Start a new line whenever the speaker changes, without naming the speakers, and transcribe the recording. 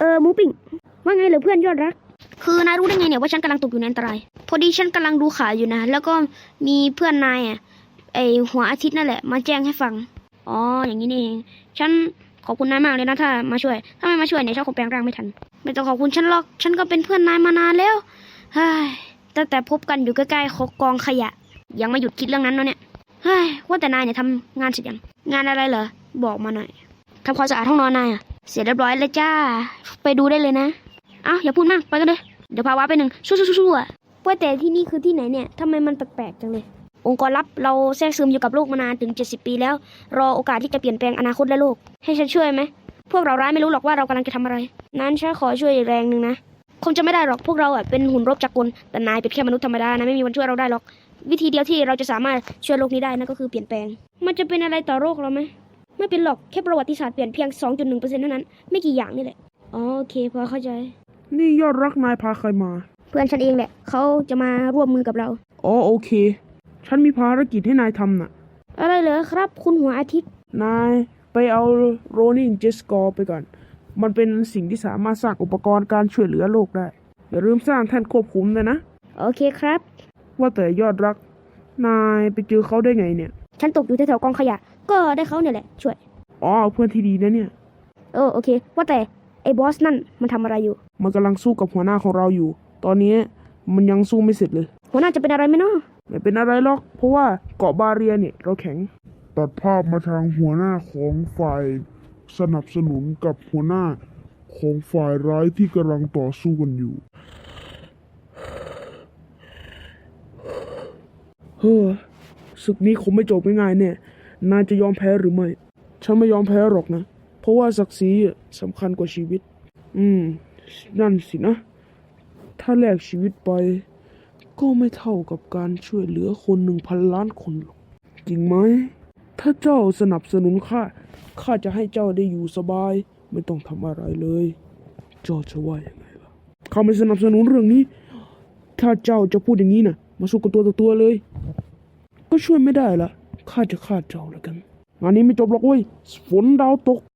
หมูปิ้งว่าไงเหรอเพื่อนยอดรักคือนายรู้ได้ไงเนี่ยว่าฉันกำลังตกอยู่ในอันตรายพอดีฉันกำลังดูข่าวอยู่นะแล้วก็มีเพื่อนนายไอหัวอาทิตย์นั่นแหละมาแจ้งให้ฟังอ๋ออย่างนี้นี่เองฉันขอบคุณนายมากเลยนะถ้ามาช่วยถ้าไม่มาช่วยเนี่ยฉันคงแปลงร่างไม่ทันไม่ต้องขอบคุณฉันหรอกฉันก็เป็นเพื่อนนายมานานแล้วเฮ้ยตั้งแต่พบกันอยู่ใกล้ๆกองขยะยังไม่หยุดคิดเรื่องนั้นเนาะเนี่ยเฮ้ยว่าแต่นายเนี่ยทำงานเสร็จยังงานอะไรเหรอบอกมาหน่อยทำความสะอาดห้องนอนนายเสร็จเรียบร้อยแล้วจ้าไปดูได้เลยนะอย่าพูดมากไปกันเลยเดี๋ยวพาวาไปหนึ่งสู้ว่าแต่ที่นี่คือที่ไหนเนี่ยทำไมมันแปลกๆจังเลยองค์กรลับเราแทรกซึมอยู่กับโลกมานานถึง70 ปีแล้วรอโอกาสที่จะเปลี่ยนแปลงอนาคตและโลกให้ฉันช่วยไหมพวกเราร้ายไม่รู้หรอกว่าเรากำลังจะทำอะไรนั้นฉันขอช่วยอีกแรงหนึ่งนะคงจะไม่ได้หรอกพวกเราเป็นหุ่นรบจักรกลแต่นายเป็นแค่มนุษย์ธรรมดานะไม่มีวันช่วยเราได้หรอกวิธีเดียวที่เราจะสามารถช่วยโลกนี้ได้นั่นก็คือเปลี่ยนแปลงมันจะเป็นอะไรต่อโลกเราไหมไม่เป็นหรอกแค่ประวัติศาสตร์เปลี่ยนเพียง 2.1% เท่านั้นไม่กี่อย่างนี่แหละโอเคพอเข้าใจ
นี่ยอดรักนายพาใครมา
เพื่อนฉันเองแหละเขาจะมาร่วมมือกับเรา
อ๋อโอเคฉันมีภารกิจให้นายทำน่ะ
อะไรเหรอครับคุณหัวอาทิตย์
นายไปเอาโรนินเจสกอร์ไปก่อนมันเป็นสิ่งที่สามารถสร้างอุปกรณ์การช่วยเหลือโลกได้อย่าลืมสร้างแท่นควบคุมเลยนะ
โอเคครับ
ว่าแต่ยอดรักนายไปเจอเขาได้ไงเนี่ย
ฉันตกอยู่แถวๆกองขยะก็ได้เขาเนี่ยแหละช่วย
อ๋อเพื่อนที่ดีนะเนี่ย
โอเคว่าแต่ไอ้บอสนั่นมันทำอะไรอยู่
มันกำลังสู้กับหัวหน้าของเราอยู่ตอนนี้มันยังสู้ไม่เสร็จเลย
หัวหน้าจะเป็นอะไรไหมเนาะ
ไม่เป็นอะไรหรอกเพราะว่าเกาะบาเรียเนี่ยเราแข็ง
ตัดภาพมาทางหัวหน้าของฝ่ายสนับสนุนกับหัวหน้าของฝ่ายร้ายที่กำลังต่อสู้กันอยู่
ศึกนี้คงไม่จบง่ายๆเนี่ยนายจะยอมแพ้หรือไม่ฉันไม่ยอมแพ้หรอกนะเพราะว่าศักดิ์ศรีสำคัญกว่าชีวิตนั่นสินะถ้าแลกชีวิตไปก็ไม่เท่ากับการช่วยเหลือคน1,000 ล้านคนหรอกจริงไหมถ้าเจ้าสนับสนุนข้าจะให้เจ้าได้อยู่สบายไม่ต้องทำอะไรเลยเจ้าจะว่ายังไงล่ะข้าไม่สนับสนุนเรื่องนี้ถ้าเจ้าจะพูดอย่างนี้นะมาสู้กันตัวต่อตัวเลยก็ช่วยไม่ได้ละข้าจะฆ่าเจ้าแล้วกันงานนี้ไม่จบหรอกเว้ยฝนดาวตก